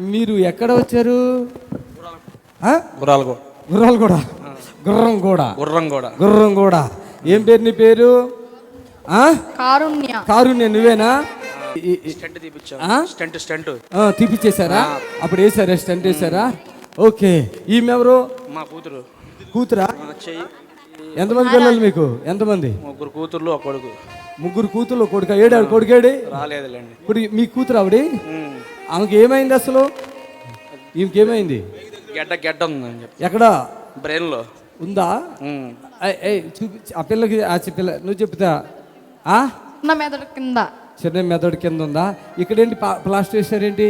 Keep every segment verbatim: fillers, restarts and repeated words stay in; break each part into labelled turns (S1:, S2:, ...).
S1: మీరు ఎక్కడ వచ్చారు?
S2: గుర్రాలు
S1: గుర్రాలు కూడా గుర్రం కూడా
S2: గుర్రం కూడా
S1: గుర్రం కూడా ఏం పేరు నీ పేరు?
S3: కారుణ్య.
S1: కారుణ్య నువ్వేనా?
S2: స్టంట్ స్టంట్
S1: తీపిచ్చేసారా? అప్పుడు వేసారా? స్టంట్ వేసారా? ఓకే. ఈమె ఎవరు?
S2: మా కూతురు.
S1: కూతురా? ఎంతమంది పిల్లలు మీకు? ఎంతమంది?
S2: ముగ్గురు కూతుర్లు ఒక కొడుకు.
S1: ముగ్గురు కూతుర్లు కొడుక ఏడాడు కొడుకేడి
S2: రాలేదులేండి.
S1: ఇప్పుడు మీ కూతురు ఆవిడ ఆమెకి ఏమైంది అసలు? ఈమెకేమైంది?
S2: గెడ్డ గెడ్డ ఉందని చెప్పి.
S1: ఎక్కడ?
S2: బ్రెయిన్ లో
S1: ఉందా? చూపించి ఆ పిల్లకి. ఆ పిల్ల నువ్వు చెప్తా.
S3: చిన్న మెదడు కింద.
S1: చిన్న మెదడు కింద ఉందా? ఇక్కడేంటి ప్లాస్టర్ వేసారేంటి?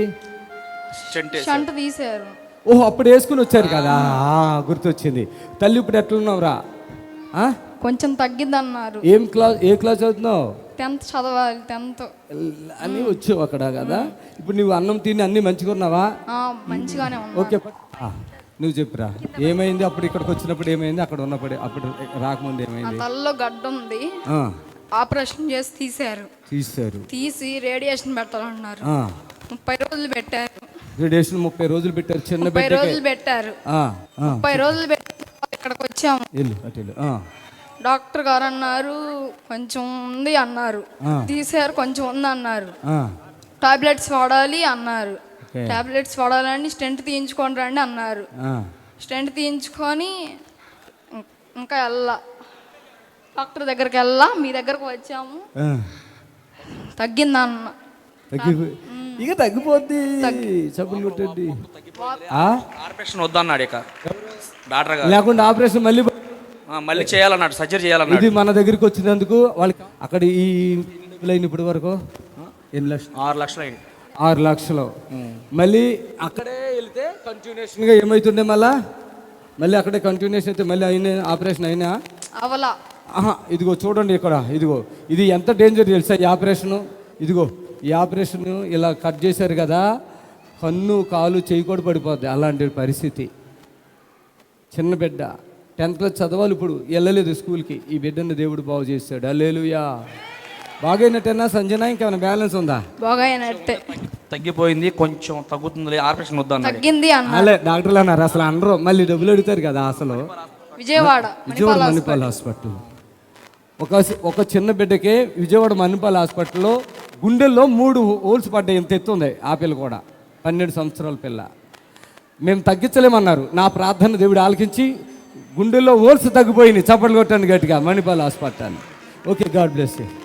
S3: షంట్ తీసారు.
S1: ఓహో, అప్పుడు వేసుకుని వచ్చారు కదా, గుర్తొచ్చింది. తల్లి ఇప్పుడు ఎట్లున్నావురా?
S3: కొంచెం తగ్గిందన్నారు.
S1: ఏం క్లాస్ ఏ క్లాస్ చదువుతున్నావు?
S3: టెన్త్ చదవాలి. టెన్త్
S1: అని వచ్చావు అక్కడ కదా. ఇప్పుడు నువ్వు అన్నం తిని అన్ని మంచిగా ఉన్నావా?
S3: మంచిగానే ఉన్నా.
S1: ఓకే, నువ్వు చెప్పురా ఏమైంది అప్పుడు ఇక్కడికి వచ్చినప్పుడు? ఏమైంది అక్కడ ఉన్నప్పుడు? అప్పుడు రాకముందు ఏమైంది?
S3: తలలో గడ్డ ఉంది, ఆపరేషన్ చేసి తీసారు.
S1: తీసారు
S3: తీసి రేడియేషన్ పెట్టాలన్నారు. ముప్పై రోజులు పెట్టారు.
S1: రేడియేషన్ ముప్పై రోజులు పెట్టారు. చిన్న
S3: ముప్పై రోజులు పెట్టారు. ముప్పై రోజులు పెట్టి ఇక్కడికి వచ్చాము. డాక్టర్ గారు అన్నారు కొంచెం ఉంది అన్నారు. తీసారు, కొంచెం ఉంది అన్నారు. టాబ్లెట్స్ వాడాలి అన్నారు. టాబ్లెట్స్ వాడాలని స్టెంట్ తీయించుకొని రండి అన్నారు. స్టెంట్ తీయించుకొని ఇంకా వెళ్ళా, డాక్టర్ దగ్గరికి వెళ్ళా, మీ దగ్గరకు వచ్చాము. తగ్గిందన్న.
S1: ఇక తగ్గిపోద్ది. సబ్బులు కొట్టండి.
S2: ఆపరేషన్ వద్దన్నాడు ఇక డాక్టర్ గారు.
S1: లేకుండా ఆపరేషన్ మళ్ళీ
S2: మళ్ళీ చేయాలన్నాడు, సర్జరీ చేయాలన్నాడు.
S1: ఇది మన దగ్గరికి వచ్చినందుకు వాళ్ళకి అక్కడ ఈ లైన్ ఇప్పటి వరకు ఎన్ని లక్షలు?
S2: ఆరు లక్షలు అయింది.
S1: ఆరు లక్షలు. మళ్ళీ అక్కడే వెళ్తే కంటిన్యూషన్గా ఏమవుతుండే? మళ్ళా మళ్ళీ అక్కడే కంటిన్యూషన్ అయితే మళ్ళీ అయినా ఆపరేషన్ అయినా
S3: అవలా.
S1: ఆహా, ఇదిగో చూడండి ఇక్కడ, ఇదిగో ఇది ఎంత డేంజర్ తెలుసా ఈ ఆపరేషను? ఇదిగో ఈ ఆపరేషన్ ఇలా కట్ చేశారు కదా, కన్ను కాలు చేయి కూడా పడిపోద్ది. అలాంటి పరిస్థితి. చిన్న బిడ్డ టెన్త్ క్లాస్ చదవాలి, ఇప్పుడు వెళ్ళలేదు స్కూల్కి. ఈ బిడ్డను దేవుడు బాగు చేస్తాడు. హల్లెలూయా. బాగైనట్టేనా సంజన? ఇంకేమైనా బ్యాలెన్స్ ఉందా?
S3: బాగైనట్టే.
S2: తగ్గిపోయింది, కొంచెం తగ్గుతుంది, ఆపరేషన్ వద్దా?
S3: తగ్గింది
S1: అలా డాక్టర్లు అన్నారు. అసలు అనరు, మళ్ళీ డబ్బులు అడుగుతారు కదా. అసలు
S3: విజయవాడ
S1: విజయవాడ మణిపాల్ హాస్పిటల్ ఒక ఒక చిన్న బిడ్డకే విజయవాడ మణిపాల్ హాస్పిటల్లో గుండెల్లో మూడు హోల్స్ పడ్డాయి. ఇంత ఎత్తుంది ఆ పిల్ల కూడా, పన్నెండు సంవత్సరాల పిల్ల. మేము తగ్గించలేమన్నారు. నా ప్రార్థన దేవుడు ఆలకించి గుండెల్లో హోల్స్ తగ్గిపోయినాయి. చప్పట్లు కొట్టాను గట్టిగా Manipal hospital. Okay, God bless you.